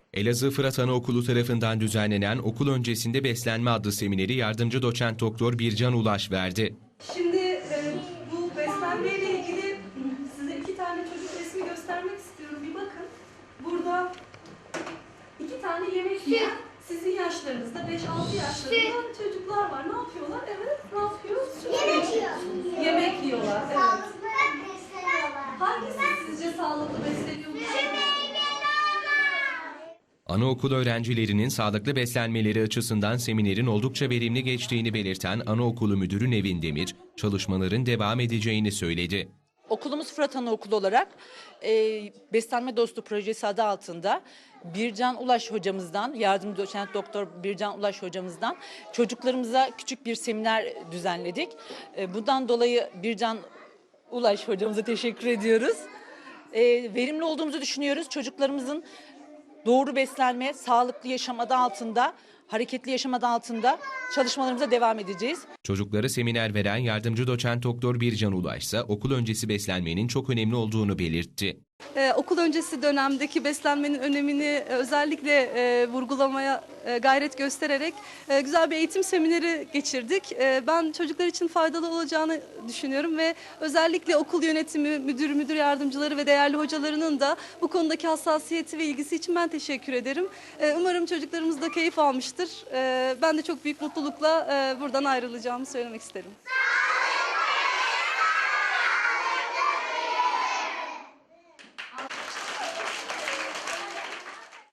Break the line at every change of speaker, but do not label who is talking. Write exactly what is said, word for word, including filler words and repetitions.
Elazığ Fırat Anaokulu tarafından düzenlenen Okul Öncesinde Beslenme adlı semineri yardımcı doçent doktor Bircan Ulaş verdi.
Şimdi e, bu beslenmeyle ilgili size iki tane çocuk resmi göstermek istiyorum. Bir bakın. Burada iki tane yemek yiyen, sizin yaşlarınızda beş altı yaşlarında çocuklar var. Ne yapıyorlar? Evet, ne yapıyor?
Yemek yiyor.
Yemek yiyorlar. Evet.
Sağlıklı besleniyorlar.
Hangisi sizce sağlıklı besleniyor?
Anaokulu öğrencilerinin sağlıklı beslenmeleri açısından seminerin oldukça verimli geçtiğini belirten Anaokulu Müdürü Nevin Demir, çalışmaların devam edeceğini söyledi.
Okulumuz Fırat Anaokulu olarak e, Beslenme Dostu projesi adı altında Bircan Ulaş hocamızdan, yardımcı doçent doktor Bircan Ulaş hocamızdan çocuklarımıza küçük bir seminer düzenledik. E, bundan dolayı Bircan Ulaş hocamıza teşekkür ediyoruz. E, verimli olduğumuzu düşünüyoruz. Çocuklarımızın doğru beslenme, sağlıklı yaşam adı altında, hareketli yaşam adı altında çalışmalarımıza devam edeceğiz.
Çocuklara seminer veren yardımcı doçent doktor Bircan Ulaş ise okul öncesi beslenmenin çok önemli olduğunu belirtti.
Ee, okul öncesi dönemdeki beslenmenin önemini e, özellikle e, vurgulamaya e, gayret göstererek e, güzel bir eğitim semineri geçirdik. E, ben çocuklar için faydalı olacağını düşünüyorum ve özellikle okul yönetimi, müdür, müdür yardımcıları ve değerli hocalarının da bu konudaki hassasiyeti ve ilgisi için ben teşekkür ederim. E, umarım çocuklarımız da keyif almıştır. E, ben de çok büyük mutlulukla e, buradan ayrılacağımı söylemek isterim.